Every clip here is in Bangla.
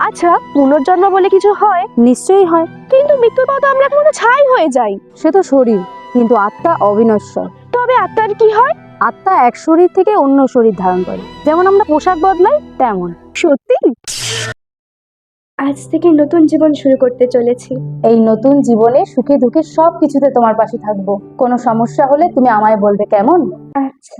আচ্ছা, পুনর্জন্ম বলে কিছু হয়? নিশ্চয়ই হয়। কিন্তু মৃত্যুর পর তো আমরা কোনো ছাই হয়ে যাই। সে তো শরীর, কিন্তু আত্মা অবিনশ্বর। তবে আত্মার কি হয়? আত্মা এক শরীর থেকে অন্য শরীর ধারণ করে, যেমন আমরা পোশাক বদলাই তেমন। সত্যি? আজ থেকে নতুন জীবন শুরু করতে চলেছি। এই নতুন জীবনে সুখে দুঃখে সব কিছুতে তোমার পাশে থাকবো। কোনো সমস্যা হলে তুমি আমায় বলবে, কেমন? আচ্ছা।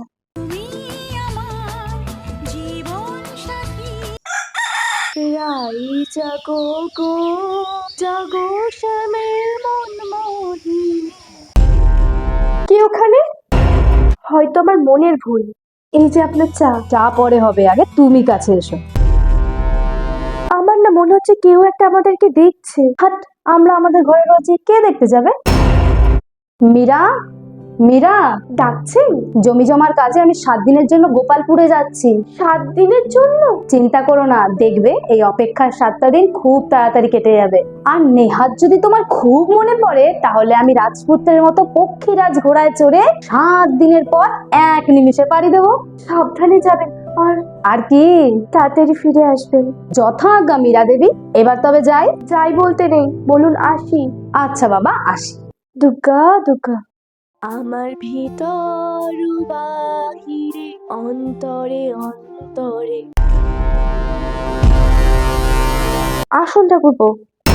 জাগো গো, জাগো শ্যামের মন মোহিনী। কি ওখানে? হয়তো আমার মনের ভুল। এই যে আপনার চা। চা পরে হবে, আগে তুমি কাছে এসো। আমার না মনে হচ্ছে কেউ একটা আমাদেরকে দেখছে। হাট, আমরা আমাদের ঘরে রয়েছি, কে দেখতে যাবে? মীরা, মীরা। ডাকছেন? জমি জমার কাজে আমি 7 দিনের জন্য গোপালপুরে যাচ্ছি। 7 দিনের জন্য? চিন্তা করো না, দেখবে এই অপেক্ষার 7টা দিন খুব তাড়াতাড়ি কেটে যাবে। আর নেহাত যদি তোমার খুব মনে পড়ে, তাহলে আমি রাজপুত্রের মতো পক্ষীরাজ ঘোড়ায় চড়ে 7 দিনের পর 1 নিমিষে পাড়ি দেবো। সাবধানে যাবেন। আর কি, তাড়াতাড়ি ফিরে আসবেন। যথাজ্ঞা মীরা দেবী। এবার তবে যাই। যাই বলতে নেই, বলুন আসি। আচ্ছা বাবা, আসি। দুর্গা দুর্গা। আমার ভিতর বাহিরে, অন্তরে অন্তরে। আসুন ঠাকুরপো।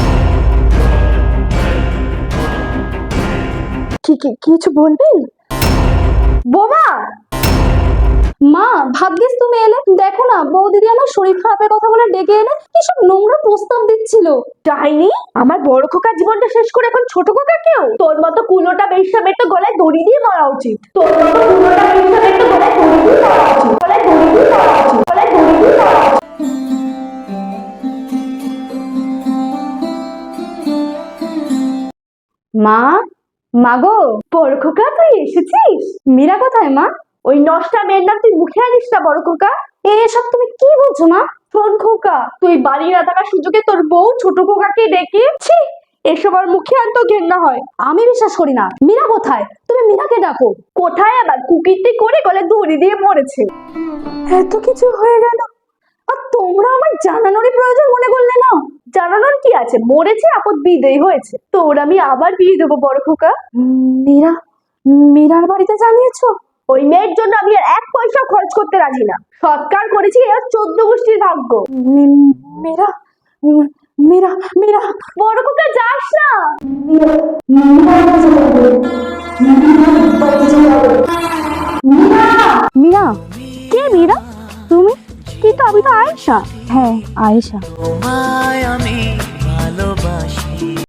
কিছু বলবেন? বোমা! মা, ভাগ্যিস তুমি এলে। দেখো না, বৌদিদি আমার শরীর খারাপের কথা বলে ডেকে এনে কি সব নোংরা প্রস্তাব দিচ্ছিল। ডাইনি, আমার বড় খোকার জীবনটা শেষ করে এখন ছোট খোকা কেউ? তোর মতো কুলোটা বেশ্যামের তো গলায় দড়ি দিয়ে মারা উচিত। তোর মতো কুলোটা বেশ্যামের তো গলায় দড়ি দিয়ে মারা উচিত। গলায় দড়ি দিয়ে মারা উচিত। গলায় দড়ি দিয়ে মারা উচিত। মা, মাগো। বড় খোকা, তুই এসেছিস? মীরা কোথায় মা? ওই নষ্টা মেয়ের নাম তুই মুখে আনিস না বড় খোকা। এসব তুমি কি বলছো মা? শোন খোকা, তুই বাড়ি না থাকার সুযোগে তোর বউ ছোট খোকাকে ডেকে, ছি, এসব আর মুখে আনতো ঘেন্না হয়। আমি বিশ্বাস করি না। মীরা কোথায়? তুমি মীরাকে ডাকো। কোথায় আবার? কুকিরটি করে গলায় দড়ি দিয়ে মরেছে। এত কিছু হয়ে গেল, আর তোমরা আমার জানানোরই প্রয়োজন মনে করলে না? জানানোর কি আছে? মরেছে, আপদ বিদেয় হয়েছে। তোর আমি আবার বিয়ে দেবো বড় খোকা। মীরা, মীরার বাড়িতে জানিয়েছো? ওই মেয়ের জন্য আমি আর 1 পয়সা খরচ করতে রাজি না। সৎকার করেছি, এর 14 গোষ্ঠীর ভাগ্য। মীরা, মীরা, মীরা। বড় খোকা, যাস না। মীরা। কে মীরা? তুমি? কিন্তু আমি তো আয়েশা। হ্যাঁ, আয়েশা। আমি